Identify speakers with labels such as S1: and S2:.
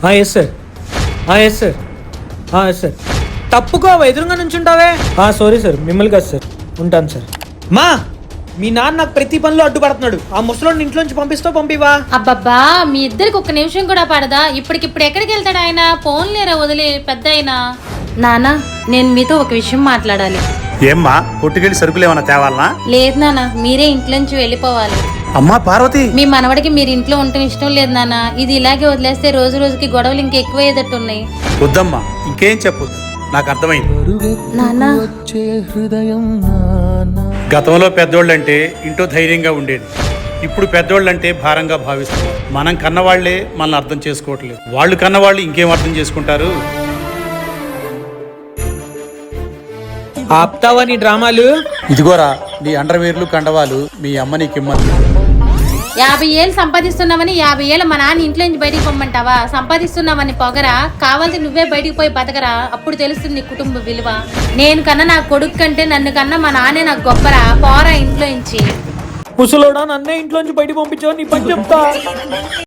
S1: Yes sir yes sir yes sir తప్పుకో ఎదురుగా నుంచుంటావే. Sorry sir, మిమ్మల్ని కాదు సార్, ఉంటాను సార్. మా మీ నాన్న నాకు ప్రతి పనిలో అడ్డుపడుతున్నాడు. ఆ ముసలోడిని ఇంట్లోంచి పంపిస్తావు పంపివా?
S2: అబ్బబ్బా మీ ఇద్దరికి ఒక్క నిమిషం కూడా పడదా? ఇప్పటికిప్పుడు ఎక్కడికి వెళ్తాడు ఆయన? ఫోన్ లేరా వదిలే పెద్ద అయినా. నానా నేను మీతో ఒక విషయం మాట్లాడాలి.
S3: ఏమ్మా కొట్టుకెళ్ళి సరుకులు ఏమన్నా తేవాలనా?
S2: లేదు నాన్న, మీరే ఇంట్లోంచి వెళ్ళిపోవాలి.
S3: అమ్మా పార్వతి,
S2: మీ మనవడికి మీరు ఇంట్లో ఉండటం ఇష్టం లేదు నాన్న. ఇది ఇలాగే వదిలేస్తే రోజు రోజుకి గొడవలు ఇంకా ఎక్కువయ్యేటట్టు ఉన్నాయి.
S3: వద్దమ్మా, ఇంకేం చెప్పొద్దు, నాకు అర్థమైంది.
S2: నాన్న
S3: గతంలో పెద్దోళ్ళంటే ఇంట్లో ధైర్యంగా ఉండేది, ఇప్పుడు పెద్దోళ్ళంటే భారంగా భావిస్తున్నారు. మనం కన్నవాళ్లే మనల్ని అర్థం చేసుకోవట్లేదు, వాళ్ళు కన్నవాళ్ళు ఇంకేం అర్థం చేసుకుంటారు?
S1: ఆప్తావా నీ డ్రామాలు?
S3: ఇదిగోరా నీ అండర్వేర్లు కండవాలు, మీ అమ్మ నీకిమ్మని.
S2: 50 ఏళ్ళు సంపాదిస్తున్నామని 50 ఏళ్ళు మా నాన్న ఇంట్లో నుంచి బయటికి పొమ్మంటావా? సంపాదిస్తున్నామని పొగరా? కావాలంటే నువ్వే బయటికి పోయి బతకరా, అప్పుడు తెలుస్తుంది నీ కుటుంబ విలువ. నేను కన్నా నా కొడుకు కంటే నన్ను కన్నా మా నాన్నే నాకు గొప్పరా. పోరా ఇంట్లో నుంచి.
S1: ముసలోడా, నన్నే ఇంట్లోంచి బయటికి పంపించావు, నీ పని చెప్తా.